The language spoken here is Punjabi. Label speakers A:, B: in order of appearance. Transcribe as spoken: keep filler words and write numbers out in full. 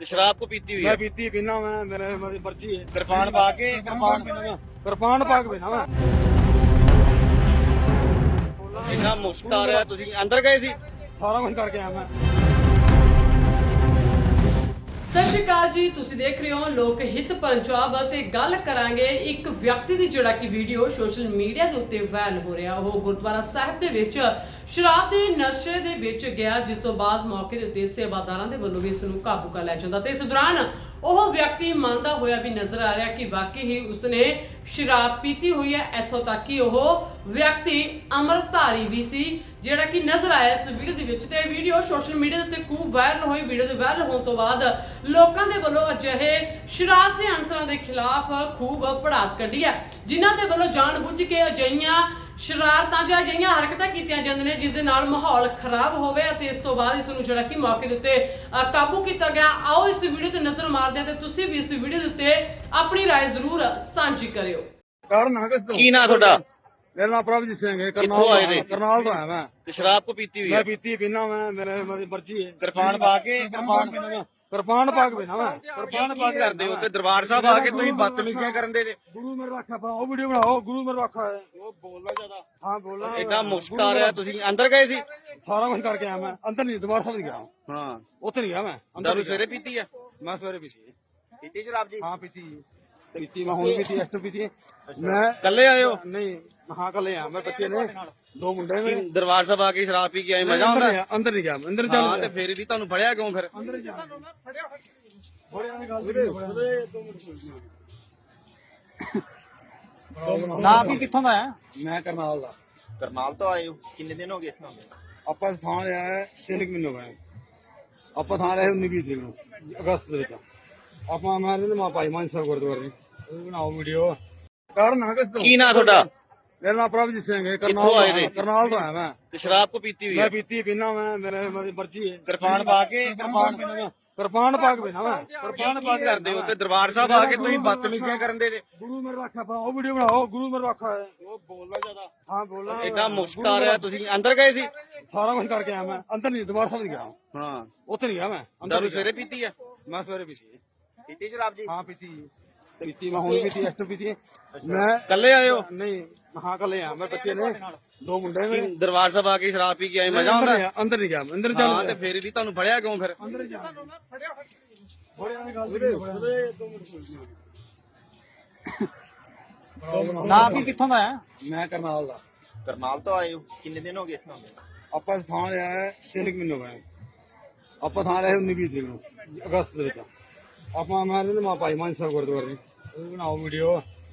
A: शराब को पीती हुई
B: मैं
A: है।
B: पीती पीना मैं मेरे मेरी मर्जी है।
A: कृपान पा के कृपान
B: कृपान पा के पीना मैं
A: इतना मुश्क आ रहा है। तुसी अंदर गए सी?
B: सारा कुछ करके आया मैं।
C: ਸਤਿ ਸ਼੍ਰੀ ਅਕਾਲ ਜੀ, ਤੁਸੀਂ ਦੇਖ ਰਹੇ ਹੋ ਲੋਕ ਹਿੱਤ ਪੰਜਾਬ ਤੇ ਗੱਲ ਕਰਾਂਗੇ ਇੱਕ ਵਿਅਕਤੀ ਦੀ ਜਿਹੜਾ ਕਿ ਵੀਡੀਓ ਸੋਸ਼ਲ ਮੀਡੀਆ ਦੇ ਉੱਤੇ ਵਾਇਰਲ ਹੋ ਰਿਹਾ। ਉਹ ਗੁਰਦੁਆਰਾ ਸਾਹਿਬ ਦੇ ਵਿੱਚ ਸ਼ਰਾਬ ਦੇ ਨਸ਼ੇ ਦੇ ਵਿੱਚ ਗਿਆ, ਜਿਸ ਤੋਂ ਬਾਅਦ ਮੌਕੇ ਦੇ ਉੱਤੇ ਸੇਵਾਦਾਰਾਂ ਦੇ ਵੱਲੋਂ ਵੀ ਇਸ ਨੂੰ ਕਾਬੂ ਕਰ ਲਿਆ ਜਾਂਦਾ ਤੇ ਇਸ ਦੌਰਾਨ ਉਹ ਵਿਅਕਤੀ ਮੰਨਦਾ ਹੋਇਆ ਵੀ ਨਜ਼ਰ ਆ ਰਿਹਾ ਕਿ ਵਾਕਈ ਹੀ ਉਸਨੇ ਸ਼ਰਾਬ ਪੀਤੀ ਹੋਈ ਹੈ। ਇੱਥੋਂ ਤੱਕ ਕਿ ਉਹ ਵਿਅਕਤੀ ਅੰਮ੍ਰਿਤਧਾਰੀ ਵੀ ਸੀ, ਜਿਹੜਾ ਕਿ ਨਜ਼ਰ ਆਇਆ ਇਸ ਵੀਡੀਓ ਦੇ ਵਿੱਚ। ਤੇ ਇਹ ਵੀਡੀਓ ਸੋਸ਼ਲ ਮੀਡੀਆ ਦੇ ਉੱਤੇ ਖੂਬ ਵਾਇਰਲ ਹੋਈ। ਵੀਡੀਓ ਦੇ ਵਾਇਰਲ ਹੋਣ ਤੋਂ ਬਾਅਦ ਲੋਕਾਂ ਦੇ ਵੱਲੋਂ ਅਜਿਹੇ ਸ਼ਰਾਬ ਦੇ ਅਨਸਰਾਂ ਦੇ ਖਿਲਾਫ ਖੂਬ ਭੜਾਸ ਕੱਢੀ ਹੈ, ਜਿਨ੍ਹਾਂ ਦੇ ਵੱਲੋਂ ਜਾਣਬੁੱਝ ਕੇ ਅਜਿਹੀਆਂ ਸ਼ਰਾਰਤਾਂ ਜਾਂ ਅਜਿਹੀਆਂ ਹਰਕਤਾਂ ਕੀਤੀਆਂ ਜਾਂਦੀਆਂ ਨੇ ਜਿਸ ਦੇ ਨਾਲ ਮਾਹੌਲ ਖਰਾਬ ਹੋਵੇ ਅਤੇ ਇਸ ਤੋਂ ਬਾਅਦ ਇਸ ਨੂੰ ਜਿਹੜਾ ਕਿ ਮੌਕੇ ਦੇ ਉੱਤੇ ਅ, ਕਾਬੂ ਕੀਤਾ ਗਿਆ। ਆਓ ਇਸ ਵੀਡੀਓ ਤੇ ਨਜ਼ਰ ਮਾਰਦੇ ਹਾਂ ਤੇ ਤੁਸੀਂ ਵੀ ਇਸ ਵੀਡੀਓ ਦੇ ਉੱਤੇ ਆਪਣੀ ਰਾਏ ਜ਼ਰੂਰ ਸਾਂਝੀ ਕਰਿਓ।
B: ਕਾਰਨ ਹੈ ਕਿਸ ਤੋਂ?
A: की ना थोड़ा?
B: मेरा नाम प्रभजीत सिंह है।
A: कित्थों आए थे?
B: करनाल तो आया मैं।
A: तो शराब को पीती हुई
B: मैं
A: है।
B: पीती पीना मैं मेरे मेरी मर्जी है।
A: कृपान पा के कृपान
B: कृपान पा के पीना मैं। कृपान पा के
A: ਕਰਦੇ ਹੋ ਤੇ ਦਰਬਾਰ ਸਾਹਿਬ ਆ ਕੇ ਤੁਸੀਂ ਬਦਤਮੀਜ਼ੀਆਂ ਕਰਨ ਦੇ ਜੇ।
B: गुरु मेरे रखा बनाओ वीडियो बनाओ। गुरु मेरे रखा है।
A: ਉਹ ਬੋਲਣਾ ਜ਼ਿਆਦਾ।
B: हाँ बोलना
A: ਇतना ਮੁਸ਼ਕ ਆ ਰਿਹਾ। ਤੁਸੀਂ ਅੰਦਰ ਗਏ ਸੀ?
B: सारा कुछ करके आया मैं। अंदर नहीं दोबारा सब नहीं गया।
A: ਹਾਂ।
B: उतर नहीं गया मैं। अंदर
A: ਦਾਰੂ
B: नहीं
A: ਸਵੇਰੇ
B: गया।
A: ਪੀਤੀ ਹੈ?
B: मैं सवेरे पीती है।
A: ਪੀਤੀ ਸ਼ਰਾਬ ਜੀ?
B: हाँ पीती पीती मैं हूँ पीती एक्टर पीती है मैं।
A: ਕੱਲੇ ਆਏ ਹੋ?
B: नहीं हाँ कल यहाँ मैं बच्चे ने दो मुंडे में।
A: ਦਰਬਾਰ ਸਾਹਿਬ ਆ ਕੇ ਸ਼ਰਾਬ ਪੀ ਕੇ ਆਏ, ਮਜ਼ਾ
B: अंदर
A: ਆਉਂਦਾ?
B: नहीं- अंदर नहीं गया मैं। अंदर
A: ਹਾਂ
B: चल
A: ਤੇ ਫਿਰ ਵੀ ਤੁਹਾਨੂੰ ਫੜਿਆ ਕਿਉਂ ਫਿਰ?
B: अंदर ही जा
D: ਨਾ ਵੀ ਕਿੱਥੋਂ ਦਾ ਹੈ?
B: मैं करनाल दा।
D: ਕਰਨਾਲ ਤੋਂ ਆਏ ਹੋ? ਕਿੰਨੇ ਦਿਨ ਹੋ ਗਏ ਇੱਥੋਂ?
B: ਆਪਾਂ ਥਾਂ ਲਿਆ ਹੈ ਤਿੰਨ ਕੁ ਮਹੀਨੇ ਹੋ ਗਏ। ਆਪਾਂ ਥਾਂ ਲਿਆ ਉੱਨੀ ਵੀਹ ਤਰੀਕ ਨੂੰ ਅਗਸਤ ਦੇ ਵਿੱਚ। ਆਪਾਂ ਮੈਂ ਰਹਿੰਦੇ ਮਾ ਭਾਈ ਮਾਨ ਸਾਹਿਬ ਗੁਰਦੁਆਰੇ ਉਹ ਬਣਾਓ ਵੀਡੀਓ। ਕਾਰਨ ਹੈ ਕਿਸ ਤੋਂ?
A: ਕੀ ਨਾਂ ਤੁਹਾਡਾ?
B: ਮੇਰਾ ਨਾਮ ਪ੍ਰਭਜੀਤ ਸਿੰਘ ਹੈ।
A: ਕਿੱਥੋਂ ਆਏ
B: ਕਰਨਾਲ
A: थे?
B: ਕਰਨਾਲ ਤੋਂ ਆਇਆ ਮੈਂ।
A: ਤੇ ਸ਼ਰਾਬ ਕੋ ਪੀਤੀ ਹੋਈ
B: ਮੈਂ
A: ਹੈ?
B: ਪੀਤੀ ਪੀਣਾ ਮੈਂ ਮੇਰੇ ਮੇਰੀ ਮਰਜ਼ੀ ਹੈ।
A: ਕਿਰਪਾਨ ਪਾ ਕੇ ਕਿਰਪਾਨ
B: ਕਿਰਪਾਨ ਪਾ ਕੇ ਪੀਣਾ ਮੈਂ। ਕਿਰਪਾਨ ਪਾ
A: ਕੀ ਕਰਦੇ ਹੋ ਤੇ ਦਰਬਾਰ ਸਾਹਿਬ ਆ ਕੇ ਤੁਸੀਂ ਬਦਤਮੀਜ਼ੀਆਂ ਕਰਨ ਦੇ ਜੇ।
B: ਗੁਰੂ ਮੇਰੇ ਰੱਖਾ ਬਣਾਓ ਵੀਡੀਓ ਬਣਾਓ। ਗੁਰੂ ਮੇਰੇ ਰੱਖਾ ਹੈ।
A: ਉਹ ਬੋਲਣਾ ਜ਼ਿਆਦਾ।
B: ਹਾਂ ਬੋਲਣਾ
A: ਇतना ਮੁਸ਼ਕ ਆ ਰਿਹਾ। ਤੁਸੀਂ ਅੰਦਰ ਗਏ ਸੀ?
B: ਸਾਰਾ ਕੁਝ ਕਰਕੇ ਆਇਆ ਮੈਂ। ਅੰਦਰ ਨਹੀਂ ਦੁਬਾਰਾ सब नहीं गया।
A: ਹਾਂ।
B: ਉੱਥੇ ਨਹੀਂ ਗਿਆ ਮੈਂ। ਅੰਦਰ
A: ਦਾਰੂ
B: ਨਹੀਂ ਗਿਆ।
A: ਸਵੇਰੇ ਪੀਤੀ ਹੈ?
B: मैं सवेरे पीती है।
D: ਪੀਤੀ ਸ਼ਰਾਬ ਜੀ?
B: हाँ पीती पीती मैं हूँ पीती एक्टर पीती है मैं।
A: ਕੱਲੇ ਆਏ ਹੋ?
B: नहीं हाँ कल यहाँ मैं बच्चे ने दो मुंडे में।
A: ਦਰਬਾਰ ਸਾਹਿਬ ਆ ਕੇ ਸ਼ਰਾਬ ਪੀ ਕੇ ਆਏ, ਮਜ਼ਾ
B: अंदर
A: ਆਉਂਦਾ?
B: नहीं- अंदर नहीं गया मैं। अंदर
A: ਹਾਂ ਤੇ
B: चल
A: ਫਿਰ ਵੀ ਤੁਹਾਨੂੰ ਫੜਿਆ ਕਿਉਂ ਫਿਰ?
B: अंदर ही जा
D: ਨਾ ਵੀ ਕਿੱਥੋਂ ਦਾ ਹੈ?
B: मैं करनाल दा।
D: ਕਰਨਾਲ ਤੋਂ ਆਏ ਹੋ? ਕਿੰਨੇ ਦਿਨ ਹੋ ਗਏ ਇੱਥੋਂ?
B: ਆਪਾਂ ਥਾਂ ਲਿਆ ਹੈ ਤਿੰਨ ਕੁ ਮਹੀਨੇ ਹੋ ਗਏ। ਆਪਾਂ ਥਾਂ ਲਿਆ ਉੱਨੀ ਵੀਹ ਤਰੀਕ ਨੂੰ ਅਗਸਤ ਦੇ ਵਿੱਚ। ਆਪਾਂ ਮੈਂ ਰਹਿੰਦੇ ਮਾ ਭਾਈ ਮਾਨ ਸਾਹਿਬ ਗੁਰਦੁਆਰੇ ਉਹ ਬਣਾਓ ਵੀਡੀਓ।